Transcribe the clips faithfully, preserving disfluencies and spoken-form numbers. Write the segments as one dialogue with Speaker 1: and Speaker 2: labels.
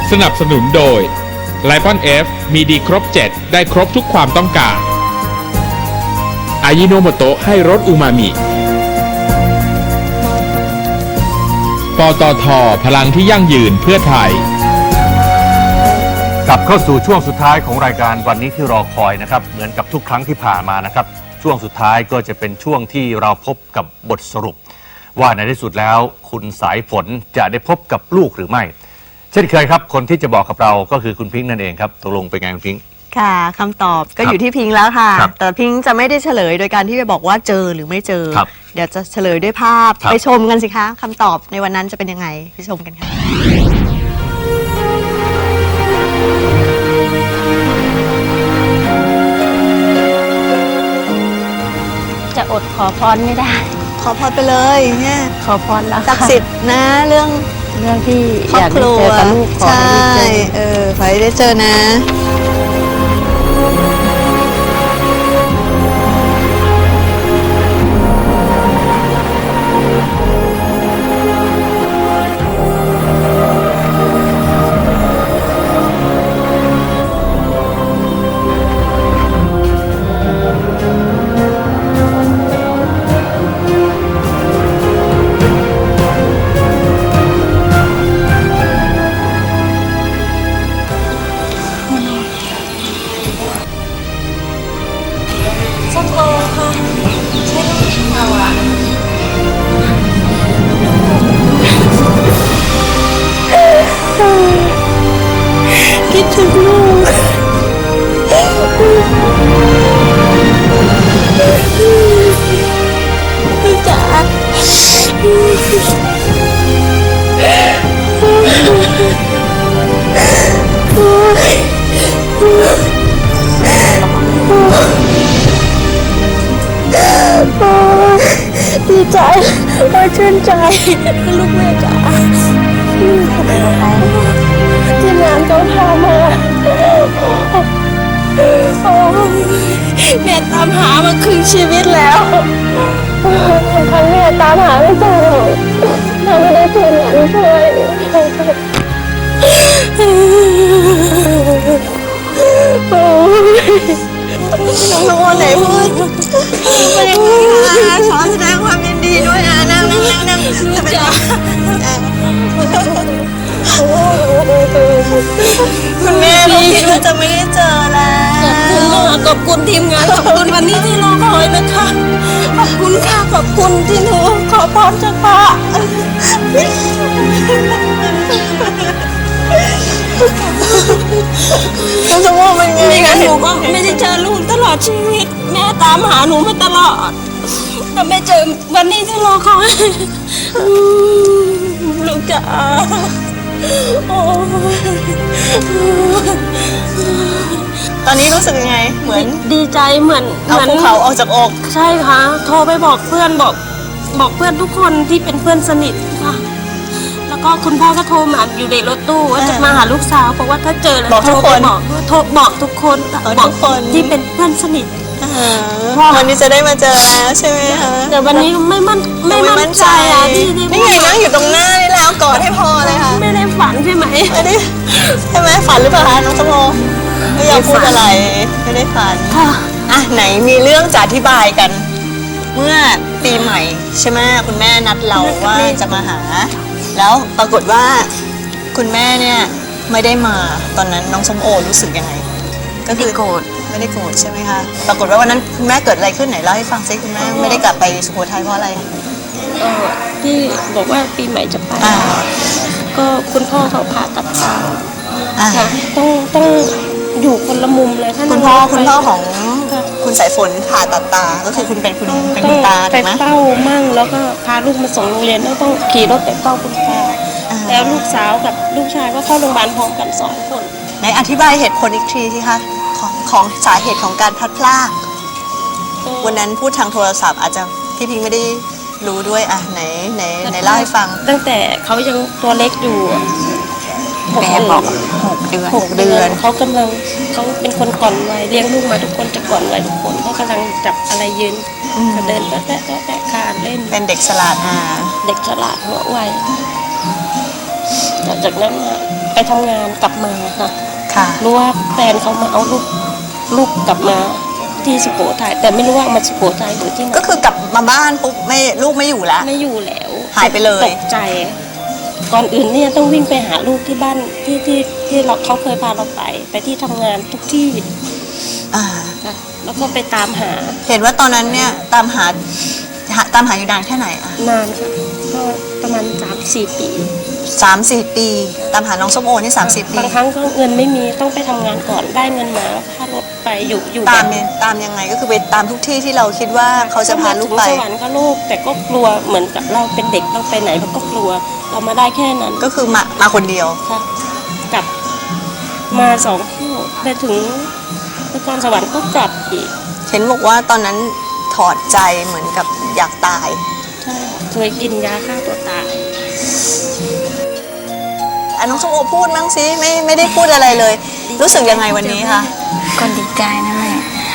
Speaker 1: สนับสนุนโดย ไลปอน เอฟ มีดีครบเจ็ดได้ครบทุกความต้องการอายิโนโมโตะให้รสอูมามิปตท.พลังที่ยั่งยืนเพื่อไทย
Speaker 2: กลับเข้าสู่ช่วงสุดท้ายของรายการวันนี้ที่รอคอยนะครับเหมือนกับทุกครั้งที่ผ่านมานะครับช่วงสุดท้ายก็จะเป็นช่วงที่เราพบกับบทสรุปว่าในที่สุดแล้วคุณสายฝนจะได้พบกับลูกหรือไม่เช่นเคยครับคนที่จะบอกกับเราก็คือคุณพิงค์นั่นเองครับตกลงเป็นไงคุณพิงค์
Speaker 3: ค่ะคำตอบก็อยู่ที่พิงค์แล้วค่ะแต่พิงค์จะไม่ได้เฉลยโดยการที่ไปบอกว่าเจอหรือไม่เจอเดี๋ยวจะเฉลยด้วยภาพไปชมกันสิคะคำตอบในวันนั้นจะเป็นยังไงไปชมกันค่ะ
Speaker 4: จะอดขอพรไม่ได้
Speaker 3: ขอพรไปเลยเนี่ย
Speaker 4: ขอพรแล้ว
Speaker 3: ศักดิ์สิทธิ์นะเรื่อง
Speaker 4: เรื่องที่
Speaker 3: ครอบครัวใช่เออขอให้ได้เจอนะคิดถึงลูกลูกจ๋าดีใจโอ้ชื่นใจลูกแม่จ๋าที่งานเขาพามาแม่ตามหามาครึ่งชีวิตแล้วทั้งแม่ตามหาไม่เจอถ้าไม่ได้ทีมงานช่วยน้องน้องวันไหนพูดไม่ได้พูดนะขอแสดงความยินดีด้วยนะนั่งนั่งนั่งนั่งจะเป็นคุณแม่ก็คิดว่าจะไม่ได้เจอแล้วขอบคุณมากขอบคุณทีมงานขอบคุณวันนี้ที่รอคอยนะคะขอบคุณค่ะขอบคุณที่หนูขอพรจากพระคุณสมองเป็นไงไม่งั้นหนูก็ไม่ได้เจอลูกตลอดชีวิตแม่ตามหาหนูมาตลอดแต่ไม่เจอวันนี้ที่รอคอยลูกจ๋าตอนนี้รู้สึกยังไงเหมือน
Speaker 4: ดีใจเหมือน
Speaker 3: เอาภูเขาออกจากอก
Speaker 4: ใช่ค่ะโทรไปบอกเพื่อนบอกบอกเพื่อนทุกคนที่เป็นเพื่อนสนิทค่ะแล้วก็คุณพ่อก็โทรมาอยู่ในรถตู้ว่าจะมาหาลูกสาวบอกว่าถ้าเจอแล้วโทรไปบอกโทรบอกทุกคนบอกคนที่เป็นเพื่อนสนิท
Speaker 3: วันนี้จะได้มาเจอแล้วใช่ไหมคะ
Speaker 4: แต่วันนี้ไม่มั่นไม่มั่นใจอ่ะที่
Speaker 3: นี่ไงนั่งอยู่ตรงหน้านี่แล้วกอดให้พอเลยค่ะ
Speaker 4: ไม่ได้ฝันใช่ไหม
Speaker 3: ไม่ได้ใช่ไหมฝันหรือเปล่าคะน้องสมโภไม่อยากพูดอะไรไม่ได้ฝัน
Speaker 4: ค่ะ
Speaker 3: อ่ะไหนมีเรื่องจะอธิบายกันเมื่อปีใหม่ใช่ไหมคุณแม่นัดเราว่าจะมาหาแล้วปรากฏว่าคุณแม่เนี่ยไม่ได้มาตอนนั้นน้องส้มโอรู้สึกยังไง
Speaker 4: ก็คือโกรธ
Speaker 3: ไม่ได้โกรธใช่ไหมคะปรากฏว่าวันนั้นคุณแม่เกิดอะไรขึ้นไหนเล่าให้ฟังซิคุณแม่ไม่ได้กลับไปสุโขทัยเพราะอะไร
Speaker 4: ก็ที่บอกว่าปีใหม่จะไปก็คุณพ่อเขาผ่าตัดตาต้องต้องอยู่คนละมุมเลยท่าน
Speaker 3: คุณพ่อคุณพ่อของคุณสายฝนผ่าตัดตาก็คือคุณเป็นคุณเป็นคุณตา
Speaker 4: ไปเฝ้ามั่งแล้วก็พาลูกมาส่งโรงเรียนแล้วต้องขี่รถไปเฝ้าคุณพ่อแล้วลูกสาวกับลูกชายก็เข้าโรงพยาบาลพร้อมกันสองคน
Speaker 3: ไหนอธิบายเหตุผลอีกทีสิคะของของสาเหตุของการพลัดพรากวันนั้นพูดทางโทรศัพท์อาจจะพี่พิงไม่ได้รู้ด้วยอ่ะไหนไหนไหนเล่าให้ฟัง
Speaker 4: ตั้งแต่เขายังตัวเล็กอยู่
Speaker 3: แม่บอกหกเดือน
Speaker 4: หกเดือนเขากำลังเขาเป็นคนก่อนวัยเลี้ยงลูกมาทุกคนจะก่อนวัยทุกคนเขากำลังจับอะไรยืนเดินแตะแตะแตะคานเล่น
Speaker 3: เป็นเด็กฉลาดอ่า
Speaker 4: เด็กฉลาดหัวไวหลังจากนั้นมาไปทำงานกลับมาค่ะ
Speaker 3: ค่ะ
Speaker 4: รู้ว่าแฟนเขามาเอาลูกลูกกลับมาที่สุโขทัยแต่ไม่รู้ว่ามาสุโขทัยหรือที่ไหน
Speaker 3: ก็คือกลับมาบ้านปุ๊บไม่ลูกไม่อยู่แล้ว
Speaker 4: ไม่อยู่แล้ว
Speaker 3: หายไปเลย
Speaker 4: ตกใจ ก่อนอื่นเนี่ยต้องวิ่งไปหาลูกที่บ้านที่ที่ที่เราเขาเคยพาเราไป ไปที่ทำงานทุกที่
Speaker 3: อ่า
Speaker 4: ค่ะแล้วก็ไปตามหา
Speaker 3: เห็นว่าตอนนั้นเนี่ยตามหาหาตามหาอยู่นานแค่ไหนอ่ะ
Speaker 4: นานค่ะก็ประมาณสามสี่ปี
Speaker 3: สามสี่ปี ตามหาน้องส้มโอนี่สามสี่ปี
Speaker 4: บางครั้งก็เงินไม่มีต้องไปทำงานก่อนได้เงินมาแล้วค่ารถไปอยู่อยู่
Speaker 3: ตาม
Speaker 4: แบบ
Speaker 3: เนี่ยตามยังไงก็คือไปตามทุกที่ที่เราคิดว่าเขาจะพาลูกไป
Speaker 4: สวรรค์ก็ลูกแต่ก็กลัวเหมือนกับเราเป็นเด็กเราไปไหนเราก็กลัวเรามาได้แค่นั้น
Speaker 3: ก็คือมามาคนเดียว
Speaker 4: ค่ะกลับมาสองเที่ยวไปถึงนครสวรรค์ก็กลับอีก
Speaker 3: เห็นบอกว่าตอนนั้นถอดใจเหมือนกับอยากตาย
Speaker 4: ใช่ค่ะเคยกินยาฆ่าตัวตาย
Speaker 3: อ่ะน้องส้มโอพูดมั้งสิไม่ไม่ได้พูดอะไรเลย รู้สึกยังไงวันนี้คะ
Speaker 5: ก็ดีใจนั่นแหละ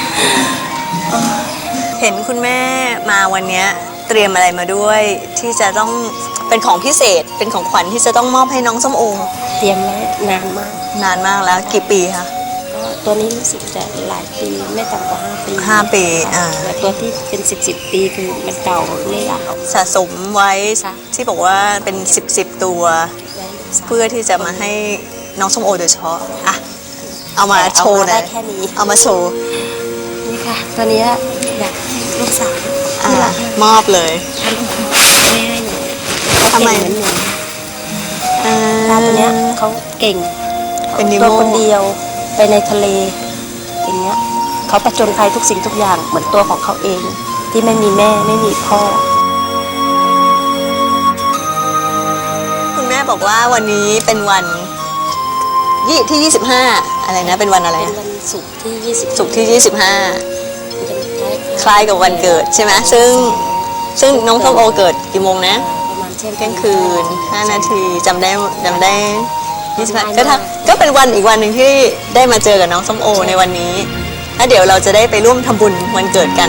Speaker 3: เห็นคุณแม่มาวันเนี้ยเตรียมอะไรมาด้วย ที่จะต้องเป็นของพิเศษเป็นของขวัญที่จะต้องมอบให้น้องส้มโอ
Speaker 4: เตรียมไว้นานมาก
Speaker 3: นานมากแล้วกี่ปีคะ
Speaker 4: ก็ตัวนี้รู้สึกจะหลายปีไม่ต่ำกว่าห้าปี
Speaker 3: ห้าปีอ่า
Speaker 4: แต่ตัวที่เป็นสิบสิบปีคือมันเก่าไม่อยากเอา
Speaker 3: สะสมไว้
Speaker 4: ค่ะ
Speaker 3: ที่บอกว่าเป็นสิบสิบตัว เพื่อที่จะมาให้น้องส้มโอโดยเฉพาะอ่ะเอามาโชว์ห
Speaker 4: เอามา
Speaker 3: น่
Speaker 4: ได้
Speaker 3: อย
Speaker 4: แค่นี้
Speaker 3: เอามาโชว์
Speaker 4: นี่ค่ะตัวเนี้ยอยากให้ลูกสาว
Speaker 3: อ่ะ
Speaker 4: ที่รัก
Speaker 3: มอบเลย
Speaker 4: ท่านแม่ให้หนูเขา
Speaker 3: ทำไม
Speaker 4: เก่งเหมือนหนู
Speaker 3: อ่า
Speaker 4: ตาตัวเนี้ยเขาเก่ง
Speaker 3: เป็นนิโม่
Speaker 4: ตัวคนเดียวไปในทะเลอย่างเงี้ยเขาประจนภัยทุกสิ่งทุกอย่างเหมือนตัวของเขาเอง ที่ไม่มีแม่ไม่มีพ่อ
Speaker 3: คุณแม่บอกว่าวันนี้เป็นวันยี่ที่ยี่สิบห้าอะไรนะเป็นวันอะไร
Speaker 4: เป็น
Speaker 3: นะ
Speaker 4: วันศุกร์ที่ยี่สิบ
Speaker 3: ศุกร์ที่ยี่สิบห้า
Speaker 4: เป็น
Speaker 3: คล้ายกับวันเกิดใช่ไหมซึ่งซึ่งน้องส้มโอเกิดกี่โมงนะ
Speaker 4: ประมาณเที่ยง
Speaker 3: เที่ยงคืนห้านาทีจำได้จำได้ยี่สิบห้าก็ทำก็เป็นวันอีกวันหนึ่งที่ได้มาเจอกับน้องส้มโอในวันนี้แล้วเดี๋ยวเราจะได้ไปร่วมทำบุญวันเกิดกัน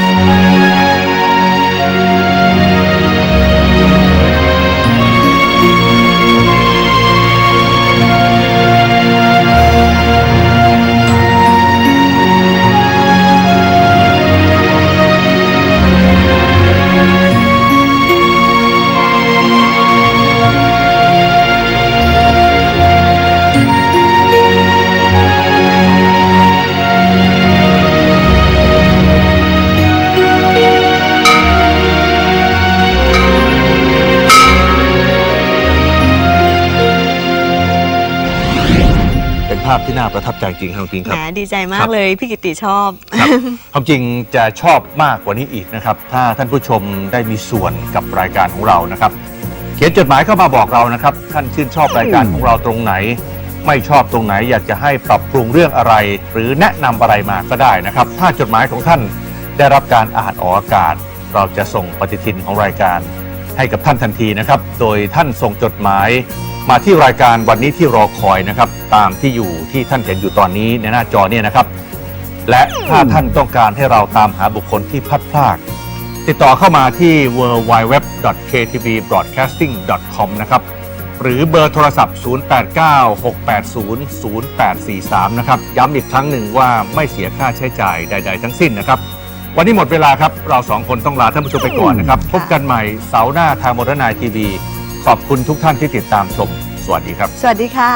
Speaker 2: เป็นภาพที่น่าประทับใจจริงครับจริงค
Speaker 3: แหม
Speaker 2: รับ
Speaker 3: ดีใจมากเลยพี่กิติชอบ
Speaker 2: ครับความจริงจะชอบมากกว่านี้อีกนะครับ ถ้าท่านผู้ชมได้มีส่วนกับรายการของเรานะครับ เขียนจดหมายเข้ามาบอกเรานะครับ ท่านชื่นชอบรายการของเราตรงไหน ไม่ชอบตรงไหนอยากจะให้ปรับปรุงเรื่องอะไร หรือแนะนำอะไรมาก็ได้นะครับ ถ้าจดหมายของท่านได้รับการอ่านออกอากาศ เราจะส่งปฏิทินของรายการ ให้กับท่านทันทีนะครับ โดยท่านส่งจดหมายมาที่รายการวันนี้ที่รอคอยนะครับ ตามที่อยู่ที่ท่านเห็นอยู่ตอนนี้ในหน้าจอเนี่ยนะครับ และถ้าท่านต้องการให้เราตามหาบุคคลที่พลัดพราก ติดต่อเข้ามาที่ ดับเบิลยู ดับเบิลยู ดับเบิลยู ดอท เค ที บี บรอดแคสติ้ง ดอท คอม นะครับ หรือเบอร์โทรศัพท์ ศูนย์ แปด เก้า หก แปด ศูนย์ ศูนย์ แปด สี่ สาม นะครับ ย้ำอีกครั้งหนึ่งว่าไม่เสียค่าใช้จ่ายใด ๆ ทั้งสิ้นนะครับ วันนี้หมดเวลาครับ เราสองคนต้องลาท่านผู้ชมไปก่อนนะครับ พบกันใหม่เสาร์หน้าทางโมเดิร์นไนทีวีขอบคุณทุกท่านที่ติดตามชม สวัสดีครับ
Speaker 3: สวัสดีค่ะ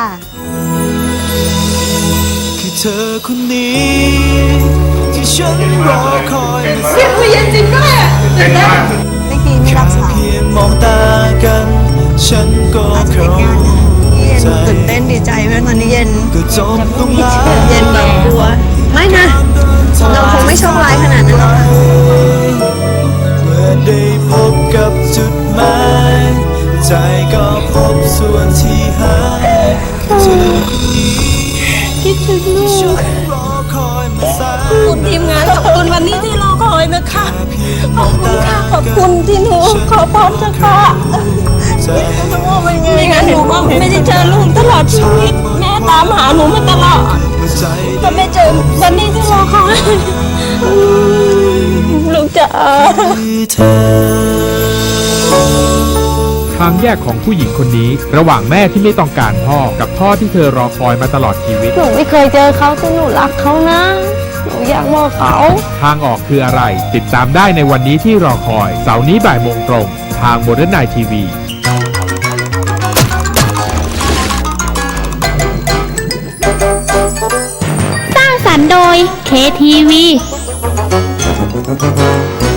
Speaker 6: คือเธอคนนี้ที่ฉันรอคอย
Speaker 3: เสียงคุยเย็นจริงด้วยอ่ะตื่นเต้นไม่กี่ไม่รับสาย
Speaker 6: เพียงมองตากัน ฉันก็เข้า
Speaker 3: เย็น
Speaker 6: ใจ
Speaker 3: ตื่นเต้นดีใจไหมตอนนี้เย็น
Speaker 6: ก็จบตรงนั้น
Speaker 3: เย็นแบบกลัว ไม่นะ เราคงไม่โชคร้ายขนาดนั้นหรอก
Speaker 6: เมื่อได้พบกับจุดหมายใจก็พบส่วนที่หายคือเธอคนนี้
Speaker 4: คิดถึงลูก
Speaker 6: ฉันรอคอยมาแส
Speaker 4: ขอบ
Speaker 6: น
Speaker 4: คุณทีมงานขอบคุณวันนี้ที่รอคอยนะคะ
Speaker 6: เพียง
Speaker 4: ข
Speaker 6: ม
Speaker 4: อ
Speaker 6: อบ ง
Speaker 4: คุณ
Speaker 6: ตา
Speaker 4: ค่ะขอบ
Speaker 6: กั
Speaker 4: คุณ
Speaker 6: น
Speaker 4: ที่หนูขอพรเถอะค่ะ
Speaker 6: ใจ
Speaker 4: ไม่งั้นหนูก็ไม่ได้เจอลูกตลอดชีวิตแม่ตามหาหนูมาตลอด
Speaker 6: เมื่อใจ
Speaker 4: ก็ไม่เจอวันนี้ที่รอคอยลูกจ๋า
Speaker 6: คือเธอ
Speaker 1: ทางแยกของผู้หญิงคนนี้ ระหว่างแม่ที่ไม่ต้องการพ่อกับพ่อที่เธอรอคอยมาตลอดชีวิต
Speaker 5: หนูไม่เคยเจอเขาแต่หนูรักเขานะ หนูอยากบอกเขา
Speaker 1: ทางออกคืออะไร ติดตามได้ในวันนี้ที่รอคอย เสาร์นี้บ่ายโมงตรง ทางโมเดิร์นไนท์ทีวี
Speaker 7: สร้างสรรค์โดย เค ที วี